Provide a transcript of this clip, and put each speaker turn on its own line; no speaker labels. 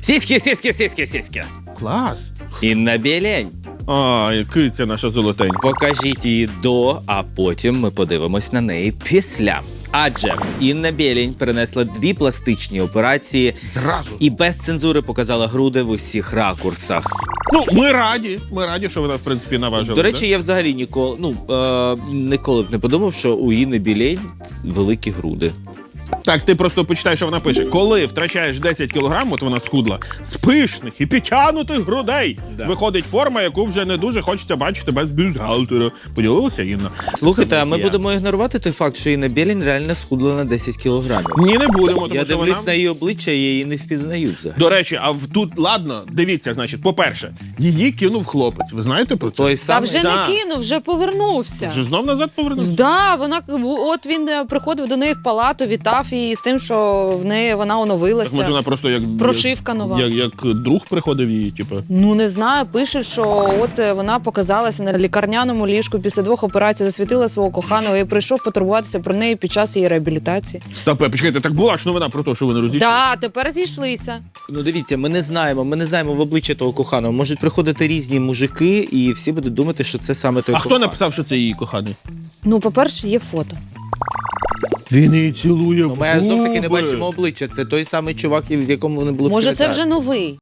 Сіськи.
Клас.
Інна Білень.
А, киця наша золотенька.
Покажіть її до, а потім ми подивимось на неї після. Адже Інна Білень перенесла 2 пластичні операції
Зразу.
і без цензури показала груди в усіх ракурсах.
Ну, ми раді, що вона, в принципі, наважила.
До речі, я взагалі ніколи б не подумав, що у Інни Білень великі груди.
Так, ти просто почитай, що вона пише. Коли втрачаєш 10 кілограм, от вона схудла, з пишних і підтягнутих грудей виходить форма, яку вже не дуже хочеться бачити без бюстгальтера. Поділилася Інна?
Слухайте, а ми будемо ігнорувати той факт, що Інна Білень реально схудла на 10 кілограмів.
Ні, не будемо, тому
Я
що
дивлюсь
вона...
на її обличчя, я її не впізнаю взагалі.
До речі, тут, ладно, дивіться, значить, по-перше, її кинув хлопець. Ви знаєте про це?
Той
Та
самий?
вже
Да.
не кинув, вже повернувся.
Вже знов назад повернувся?
Да, от він приходив до неї в палату, вітав її з тим, що в неї вона оновилася.
Так може вона просто як...
Прошивка нова.
Як друг приходив її, типу.
Ну, не знаю, пише, що от вона показалася на лікарняному ліжку після 2 операцій, засвітила свого коханого і прийшов потурбуватися про неї під час її реабілітації.
Стопе, почекайте, так була ж новина про те, що вони розійшли?
Так, тепер зійшлися.
Ну дивіться, ми не знаємо в обличчя того коханого. Можуть приходити різні мужики, і всі будуть думати, що це саме той
А
коханий.
хто написав, що це її коханий?
Ну, по-перше, є фото.
Він її цілує в
Ми знов таки не
губи.
бачимо обличчя. Це той самий чувак, в якому вони були в
Може, це
кінотеатрі.
вже новий.